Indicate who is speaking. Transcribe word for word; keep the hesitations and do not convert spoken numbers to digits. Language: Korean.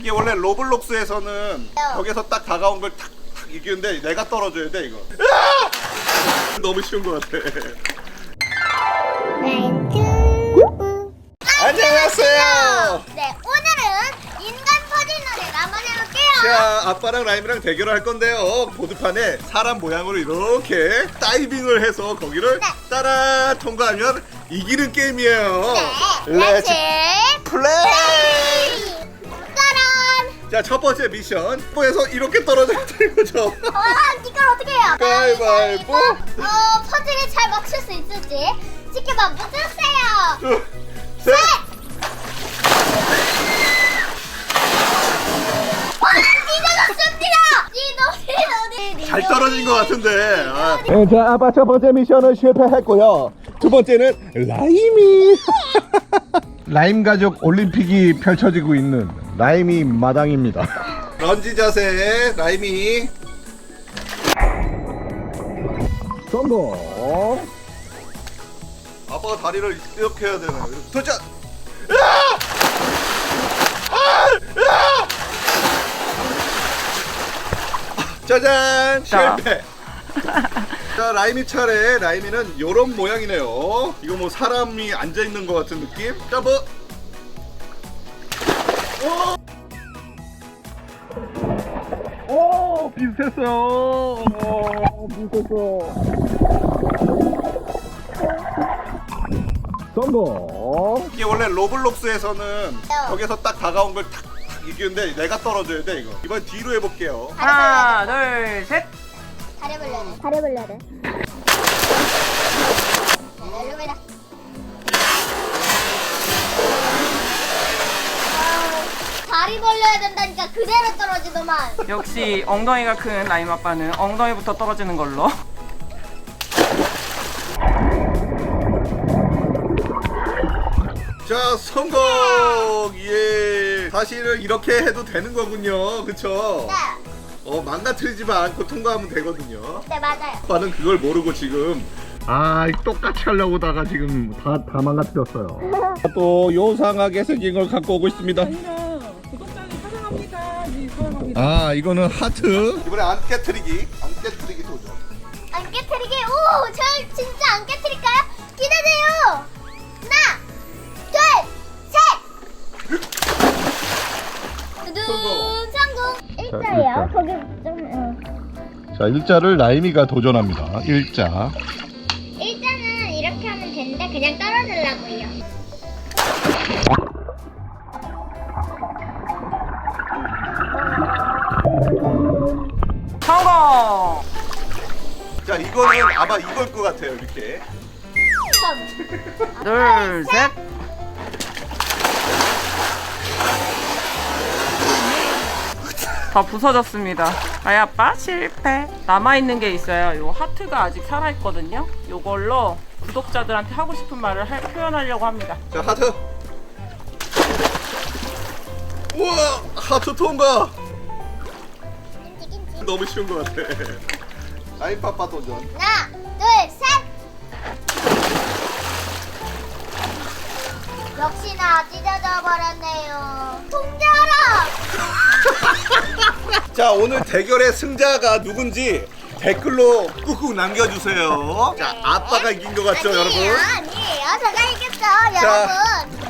Speaker 1: 이게 원래 로블록스에서는 벽에서 딱 다가온 걸 탁 탁 이기는데 내가 떨어져야 돼 이거. 으아! 너무 쉬운 것 같아. 안녕하세요.
Speaker 2: 네, 오늘은 인간 퍼즐 놀이를 한번 해볼게요.
Speaker 1: 자, 아빠랑 라임이랑 대결을 할 건데요. 보드판에 사람 모양으로 이렇게 다이빙을 해서 거기를
Speaker 2: 네.
Speaker 1: 따라 통과하면 이기는 게임이에요.
Speaker 2: 네, 렛츠
Speaker 1: 플레이!
Speaker 2: 짜란!
Speaker 1: 자, 첫 번째 미션. 뽀에서 이렇게 떨어져야 되는 거죠.
Speaker 2: 와, 이걸 어떻게 해요?
Speaker 1: 가위바위보.
Speaker 2: 어, 퍼즐을 잘 맞출 수 있을지 지켜봐 보세요.
Speaker 1: 둘, 셋.
Speaker 2: 와, 찢어졌습니다. 찢어, 찢어,
Speaker 1: 잘 떨어진 것 같은데. 아.
Speaker 3: 네, 자, 아빠 첫 번째 미션은 실패했고요. 두 번째는 라임이 라임 가족 올림픽이 펼쳐지고 있는 라임이 마당입니다.
Speaker 1: 런지 자세 라임이.
Speaker 3: 성공.
Speaker 1: 아빠가 다리를 이렇게 해야 되나요? 이렇게. 도전! 짜잔!
Speaker 4: 자.
Speaker 1: 실패! 자, 라임이 차례. 라임이는 요런 모양이네요. 이거 뭐 사람이 앉아있는 것 같은 느낌? 자, 뭐. 오! 오! 비슷했어요. 오, 비슷했어.
Speaker 3: 성공.
Speaker 1: 이게 원래 로블록스에서는 벽에서 딱 다가온 걸 탁 탁 이기는데 내가 떨어져야 돼 이거. 이번 뒤로 해볼게요.
Speaker 4: 하나, 둘, 셋.
Speaker 2: 다리 벌려야 돼. 다리 벌려야 돼. 일로 와라. 다리 벌려야 된다니까 그대로 떨어지더만.
Speaker 4: 역시 엉덩이가 큰 라임 아빠는 엉덩이부터 떨어지는 걸로.
Speaker 1: 자, 성공! 예. 사실은 이렇게 해도 되는 거군요. 그쵸?
Speaker 2: 네,
Speaker 1: 어, 망가뜨리지만 않고 통과하면 되거든요.
Speaker 2: 네 맞아요.
Speaker 1: 아빠는 그걸 모르고 지금.
Speaker 3: 아, 똑같이 하려고다가 지금 다, 다 망가뜨렸어요. 또 요상하게 생긴 걸 갖고 오고 있습니다.
Speaker 4: 구독자님 사랑합니다. 네, 사랑합니다.
Speaker 3: 아, 이거는 하트.
Speaker 1: 이번에 안 깨트리기. 안 깨트리기 도전.
Speaker 2: 안 깨트리게. 오, 저 진짜 안 깨트릴까요? 기대돼요. 하나, 둘, 셋. 두둔 성공. 일자예요.
Speaker 3: 일자.
Speaker 2: 거기 좀. 어.
Speaker 3: 자, 일자를 라임이가 도전합니다. 일자.
Speaker 2: 일자는 이렇게 하면 되는데 그냥 떨어지려고요.
Speaker 4: 성공.
Speaker 1: 자, 이거는 아마 이걸 것 같아요. 이렇게.
Speaker 4: 둘, 셋. 다 부서졌습니다. 아이 아빠 실패. 남아있는 게 있어요. 요 하트가 아직 살아있거든요. 요걸로 구독자들한테 하고 싶은 말을 할, 표현하려고 합니다.
Speaker 1: 자, 하트. 우와! 하트 통과!
Speaker 2: 김치 김치.
Speaker 1: 너무 쉬운 것 같아. 라임 파파 도전.
Speaker 2: 하나, 둘, 셋. 역시나 찢어져 버렸네요. 통제하라.
Speaker 1: 자, 오늘 대결의 승자가 누군지 댓글로 꾹꾹 남겨주세요. 자, 아빠가 이긴 것 같죠,
Speaker 2: 아니에요,
Speaker 1: 여러분?
Speaker 2: 아니에요. 제가 이겼어, 여러분.